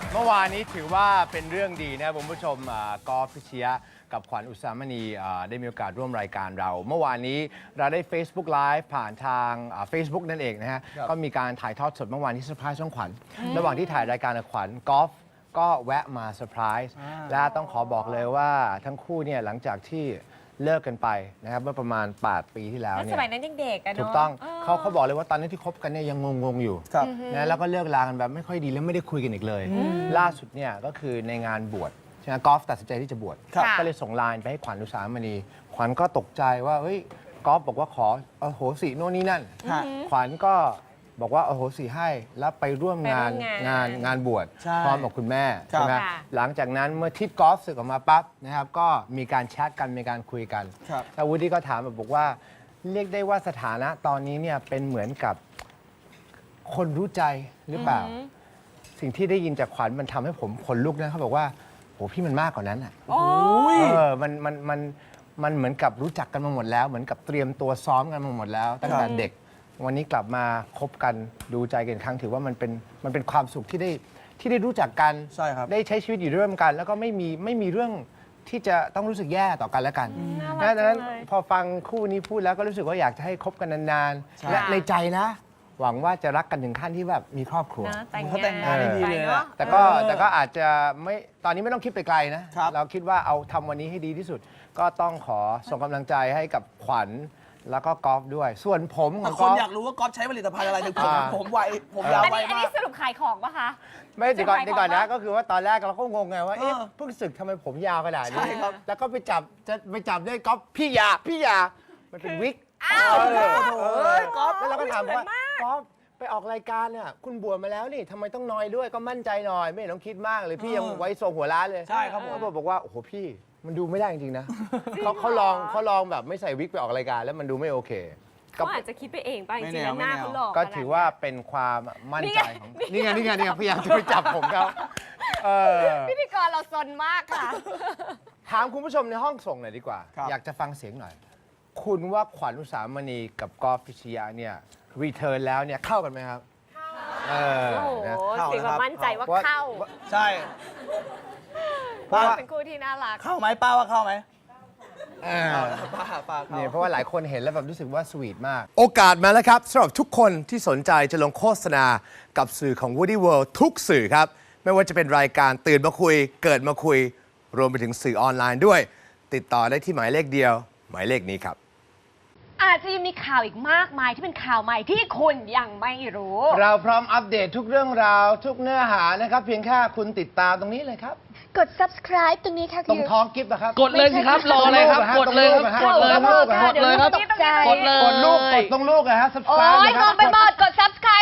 เมื่อวานนี้ถือว่าเป็นเรื่องดีนะครับคุณผู้ชมกอล์ฟพิชยะกับขวัญอุสามณีได้มีโอกาสร่วมรายการเรา เมื่อวานนี้เราได้ Facebook Live ผ่านทาง Facebook นั่นเองนะฮะก็มีการถ่ายทอดสดเมื่อวานที่เซอร์ไพรส์ช่องขวัญระหว่างที่ถ่ายรายการกับขวัญกอล์ฟก็แวะมาเซอร์ไพรส์และต้องขอบอกเลยว่าทั้งคู่เนี่ยหลังจากที่เลิกกันไปนะครับเมื่อประมาณ8 ปีที่แล้วเนี่ยสมัยนั้นยังเด็กอะเนาะถูกต้องเขาบอกเลยว่าตอนนั้นที่คบกันเนี่ยยังงงๆอยู่นะแล้วก็เลิกลากันแบบไม่ค่อยดีแล้วไม่ได้คุยกันอีกเลย ล่าสุดเนี่ยก็คือในงานบวชใช่ไหมกอล์ฟตัดสินใจที่จะบวชก็เลยส่งไลน์ไปให้ขวัญอุสามณีขวัญก็ตกใจว่าเฮ้ยกอล์ฟบอกว่าขอโหสิโน่นนี่นั่นขวัญก็บอกว่าโหสิให้แล้วไปร่วมงานบวชพร้อมกับคุณแม่ใช่ไหมหลังจากนั้นเมื่อทิศกอล์ฟสึกออกมาปั๊บนะครับก็มีการแชทกันมีการคุยกันแล้ววูดดี้ก็ถามบอกว่าเรียกได้ว่าสถานะตอนนี้เนี่ยเป็นเหมือนกับคนรู้ใจหรือเปล่า สิ่งที่ได้ยินจากขวัญมันทำให้ผมขนลุกนะเขาบอกว่าโหพี่มันมากกว่านั้นอ่ะมันเหมือนกับรู้จักกันมาหมดแล้วเหมือนกับเตรียมตัวซ้อมกันมาหมดแล้วตั้งแต่เด็กวันนี้กลับมาคบกันดูใจกันครั้งถือว่ามันเป็นความสุขที่ได้รู้จักกันได้ใช้ชีวิตอยู่ร่วมกัน แล้วก็ไม่มีเรื่องที่จะต้องรู้สึกแย่ต่อกันและกันดังนั้นพอฟังคู่นี้พูดแล้วก็รู้สึกว่าอยากจะให้คบกันนานๆและในใจนะหวังว่าจะรักกันถึงขั้นที่แบบมีครอบครัวเขาแต่งงานได้ดีเลยนะแต่ก็อาจจะไม่ตอนนี้ไม่ต้องคิดไปไกลนะเราคิดว่าเอาทำวันนี้ให้ดีที่สุด ก็ต้องขอส่งกำลังใจให้กับขวัญแล้วก็กอล์ฟด้วย ส่วนผมของกคอล์ฟนอยากรู้ว่ากอล์ฟใช้ผลิตภัณฑ์อะไรถึงผมไวผมยาวไวอันมานี้กสรุปขายของปะคะไม่เดี๋ยวก่อนนะก็คือว่าตอนแรกเราก็งงไงว่าเอ๊ะเพิ่งศึกทำไมผมยาวขนาดนี้แล้วก็ไปจับได้กอล์ฟพี่ยามันเป็นวิกกอล์ฟแล้วเราก็ถามว่ากอล์ฟไปออกรายการเนี่ยคุณบวชมาแล้วนี่ทำไมต้องนอยด้วยก็มั่นใจหน่อยไม่ต้องคิดมากเลยพี่ยังไว้ทรงหัวล้านเลยใช่ครับผมเขาบอกว่าโอ้โหพี่มันดูไม่ได้จริงๆนะเขาลองแบบไม่ใส่วิกไปออกรายการแล้วมันดูไม่โอเคเขาอาจจะคิดไปเองป่ะจริงๆหน้าเขาหลอกก็ถือว่าเป็นความมั่นใจของนี่ไงพยายามจะไปจับผมเขาพิธีกรเราซนมากค่ะถามคุณผู้ชมในห้องส่งหน่อยดีกว่า อยากจะฟังเสียงหน่อย คุณว่าขวัญอุสามณีกับกอล์ฟพิชยะเนี่ยรีเทิร์นแล้วเนี่ยเข้ากันไหมครับโอ้โหสิว่ามั่นใจว่าเข้าใช่เพราะเป็นคู่ที่น่ารักเข้าไหมป้าว่าเข้าไหมป้าเนี่ยเพราะว่าหลายคนเห็นแล้วแบบรู้สึกว่าสวีทมาก โอกาสมาแล้วครับสำหรับทุกคนที่สนใจจะลงโฆษณากับสื่อของ Woody World ทุกสื่อครับ ไม่ว่าจะเป็นรายการตื่นมาคุยเกิดมาคุยรวมไปถึงสื่อออนไลน์ด้วย ติดต่อได้ที่หมายเลขเดียวหมายเลขนี้ครับอาจจะยังมีข่าวอีกมากมายที่เป็นข่าวใหม่ที่คุณยังไม่รู้เราพร้อมอัปเดตทุกเรื่องราวทุกเนื้อหานะครับเพียงแค่คุณติดตามตรงนี้เลยครับกด subscribe ตรงนี้ค่ะตรงท้องกิฟต์นะครับกดเลยสิครับรออะไรครับกดเลยครับกดเลยครับกดเลยครับกดรูปกดตรงลูกนะฮะโอ้ subscribe ยงงไปหมดกด subscribe